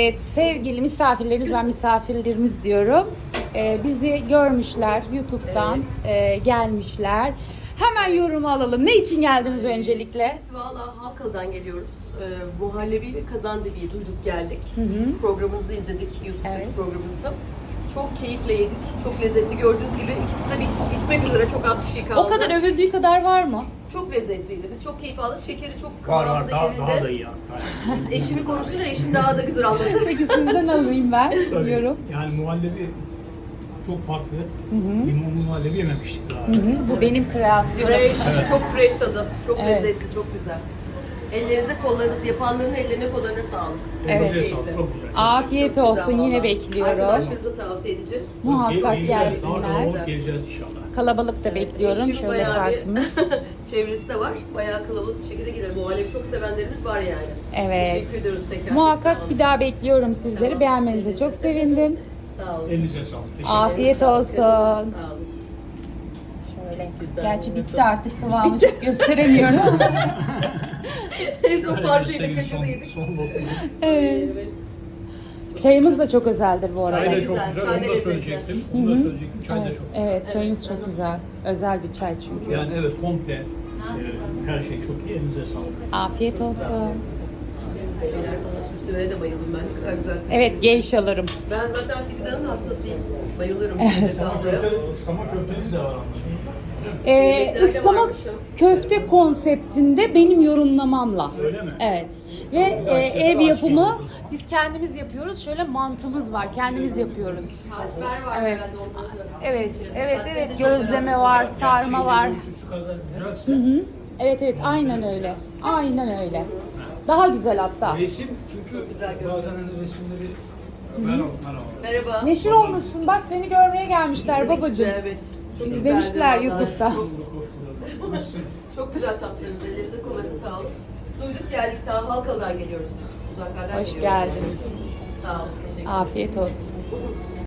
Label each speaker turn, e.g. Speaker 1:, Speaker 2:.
Speaker 1: Evet, sevgili misafirlerimiz, ben misafirlerimiz diyorum. Bizi görmüşler, YouTube'dan gelmişler. Hemen yorumu alalım. Ne için geldiniz öncelikle?
Speaker 2: Biz valla Halkalı'dan geliyoruz. Muhallebi ve Kazandibi'yi duyduk geldik. Programınızı izledik, YouTube'daki
Speaker 1: Evet.
Speaker 2: programınızı. Çok keyifle yedik, çok lezzetli gördüğünüz gibi. İkisi de bitmek üzere, çok az bir şey kaldı.
Speaker 1: O kadar övüldüğü kadar var mı?
Speaker 2: Çok lezzetliydi. Biz çok keyif aldık. Şekeri çok
Speaker 3: Var
Speaker 2: kıvamında
Speaker 3: daha
Speaker 2: yerinde.
Speaker 3: da iyi hatta.
Speaker 2: Siz eşimi konuşunca eşim daha da güzel anladı.
Speaker 1: Peki sizden alayım ben.
Speaker 3: Tabii.
Speaker 1: Yorum.
Speaker 3: Yani muhallebi çok farklı. Limonlu muhallebi yememiştik daha.
Speaker 1: Bu benim kreasyonum.
Speaker 2: Fresh, çok fresh tadı. Çok
Speaker 1: Evet.
Speaker 2: lezzetli, çok güzel. Ellerinize, kollarınız, yapanların ellerine, kollarına sağlık.
Speaker 1: Evet.
Speaker 3: Elinize sağlık, çok güzel.
Speaker 1: Afiyet
Speaker 2: Çok güzel
Speaker 1: olsun, yine
Speaker 2: vallahi.
Speaker 1: bekliyorum.
Speaker 2: Arkadaşları da tavsiye edeceğiz.
Speaker 1: Muhakkak
Speaker 3: Geleceğiz, daha
Speaker 1: gelsinler.
Speaker 3: kalabalık geleceğiz inşallah.
Speaker 1: Kalabalık da bekliyorum.
Speaker 2: Eşim
Speaker 1: Şöyle
Speaker 2: bayağı
Speaker 1: kartımı.
Speaker 2: bir çevresi de var. Bayağı kalabalık bir şekilde gelir. Muhallebi çok sevenlerimiz var yani.
Speaker 1: Evet.
Speaker 2: Teşekkür ediyoruz tekrar.
Speaker 1: Muhakkak
Speaker 2: Sağ olun.
Speaker 1: bir daha bekliyorum sizleri.
Speaker 2: Tamam.
Speaker 1: Beğenmenize çok sevindim.
Speaker 2: Sağ olun.
Speaker 3: Elinize sağlık. Teşekkür
Speaker 1: Afiyet
Speaker 2: Sağ olun.
Speaker 1: olsun.
Speaker 2: Sağ olun.
Speaker 1: Şöyle.
Speaker 2: Güzel,
Speaker 1: Gerçi
Speaker 2: evet.
Speaker 1: bitti artık, kıvamı çok gösteremiyorum.
Speaker 2: En son parçayı da
Speaker 3: ederim.
Speaker 2: kaşığı da yedik.
Speaker 3: Son lokma.
Speaker 1: Evet.
Speaker 2: Evet.
Speaker 1: Çayımız da çok özeldir bu arada.
Speaker 3: Çay da
Speaker 2: Güzel,
Speaker 3: çok
Speaker 2: çay
Speaker 3: güzel,
Speaker 2: da
Speaker 3: onu da
Speaker 2: lezzetli.
Speaker 3: söyleyecektim. Onu da söyleyecektim, çay da
Speaker 1: Evet,
Speaker 3: çok güzel.
Speaker 1: evet, çayımız çok güzel. Özel bir çay çünkü.
Speaker 3: Yani evet, komple her şey çok iyi, elinize sağlık.
Speaker 1: Afiyet olsun.
Speaker 2: Şeyler falan, süslemelere de bayıldım ben. Ne kadar güzel süslemişsiniz.
Speaker 1: Evet, geyşalarım.
Speaker 2: Ben zaten fidanın hastasıyım. Bayılırım.
Speaker 1: Evet.
Speaker 3: Islama köfteniz de var anladım.
Speaker 2: Yemeklerde
Speaker 1: Islama
Speaker 2: varmış ya.
Speaker 1: köfte konseptinde benim yorumlamamla.
Speaker 3: Öyle mi?
Speaker 1: Evet. Ve ev yapımı biz kendimiz yapıyoruz. Şöyle mantımız var. Kendimiz yapıyoruz.
Speaker 2: Katmer var
Speaker 1: Evet.
Speaker 2: herhalde ondan.
Speaker 1: Evet, evet,
Speaker 2: Katmer
Speaker 1: evet.
Speaker 2: de çok
Speaker 1: Gözleme
Speaker 2: önemli.
Speaker 1: var, sarma var.
Speaker 3: Görüntüsü kadar güzelse.
Speaker 1: Evet, evet. Aynen öyle. Aynen öyle. Daha güzel hatta.
Speaker 3: Resim çünkü
Speaker 2: güzel görünüyor.
Speaker 3: bazen hani resimleri merhaba.
Speaker 2: Merhaba.
Speaker 1: Neşir olmuşsun. Bak seni görmeye gelmişler
Speaker 2: İzledik
Speaker 1: babacığım.
Speaker 2: sizi, Evet. Çok
Speaker 1: İzlemişler
Speaker 2: güzeldi vallahi.
Speaker 1: YouTube'da.
Speaker 2: Çok güzel tatlınız. Ellerinize kolayınıza sağlık. Duyduk geldik, daha Halkalı'dan geliyoruz biz. Uzaklardan
Speaker 1: Hoş
Speaker 2: geliyoruz.
Speaker 1: geldiniz.
Speaker 2: Sağ olun. Teşekkür ederim.
Speaker 1: Afiyet olsun.